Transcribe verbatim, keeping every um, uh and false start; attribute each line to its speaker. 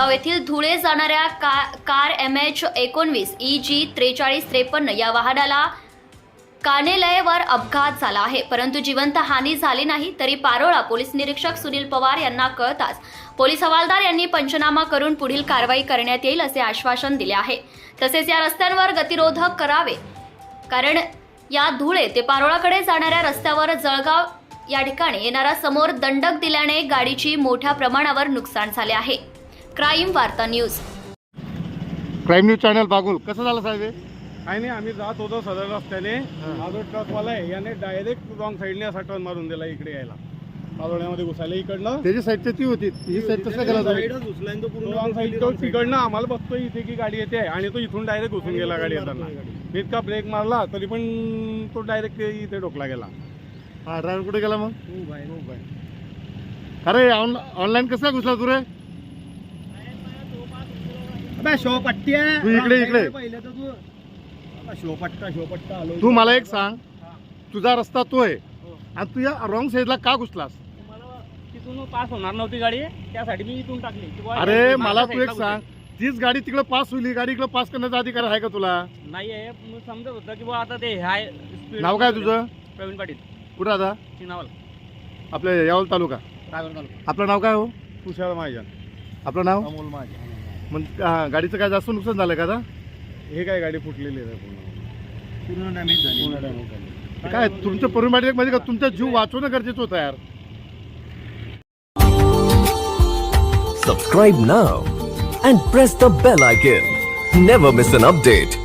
Speaker 1: जळगाव येथील धुळे जाणाऱ्या का, कार एम एच एकोणवीस ई जी त्रेचाळीस त्रेपन्न या वाहनाला कानेलयवर अपघात झाला आहे, परंतु जिवंत हानी झाली नाही. तरी पारोळा पोलीस निरीक्षक सुनील पवार यांना कळताच पोलीस हवालदार यांनी पंचनामा करून पुढील कारवाई करण्यात येईल असे आश्वासन दिले आहे. तसेच या रस्त्यांवर गतिरोधक करावे, कारण या धुळे ते पारोळाकडे जाणाऱ्या रस्त्यावर जळगाव या ठिकाणी येणारा समोर दंडक दिल्याने गाडीची मोठ्या प्रमाणावर नुकसान झाले आहे. क्राईम वार्ता news
Speaker 2: crime news channel Bagul. कसं झालं साहेब?
Speaker 3: काही नाही, आम्ही जात होतो सदर रस्त्याने. हा जो ट्रकवाला आहे याने डायरेक्ट रॉंग साईडने असा टर्न मारून दिला इकडे यायला, पारोळ्यामध्ये घुसायला इकडनं.
Speaker 2: त्याची साईड ती होती, ही साईड तसं गेला
Speaker 3: रॉंग साईड तो तिकडनं आम्हाला बघतोय इथे की गाडी येते आणि तो इथून डायरेक्ट घुसून गेला गाडी येताना. इतका ब्रेक मारला तरी पण तो डायरेक्ट इथे डोकला गेला.
Speaker 2: हा, ड्रायव्हर कुठे गेला मग? अरे ऑनलाईन कसं घुसला तू रे?
Speaker 3: शोपट्टी
Speaker 2: तू इकडे इकडे
Speaker 3: शोपट्टा शोपट्टा आलो.
Speaker 2: तू मला एक सांग, तुझा रस्ता तो आहे आणि तू या रॉंग साईडला का घुसलास?
Speaker 3: तिथून पास होणार नव्हती गाडी, त्यासाठी मी इथून टाकली.
Speaker 2: अरे मला तू एक सांग, तीच गाडी तिकडे पास होईल, गाडी इकडे पास करण्याचा अधिकार आहे का तुला?
Speaker 3: नाही आहे. समजत होतं की बा आता ते हाय.
Speaker 2: नाव काय तुझं?
Speaker 3: प्रवीण पाटील.
Speaker 2: कुठं आता?
Speaker 3: चिनावल,
Speaker 2: आपल्या यावल तालुका. आपलं नाव काय हो?
Speaker 3: तुषार महाजन.
Speaker 2: आपलं नाव?
Speaker 3: अमोल महाजन.
Speaker 2: मग हा, गाडीचं काय जास्त नुकसान झालं का आता?
Speaker 3: हे काय गाडी फुटलेली आहे पूर्ण पूर्ण डॅमेज झाली. पूर्ण डॅमेज झाली.
Speaker 2: काय तुमचं परिमाण मध्ये का तुमचा जीव वाचवणं गरजेचं होतं यार.
Speaker 4: Subscribe now and press the bell icon. Never miss an update.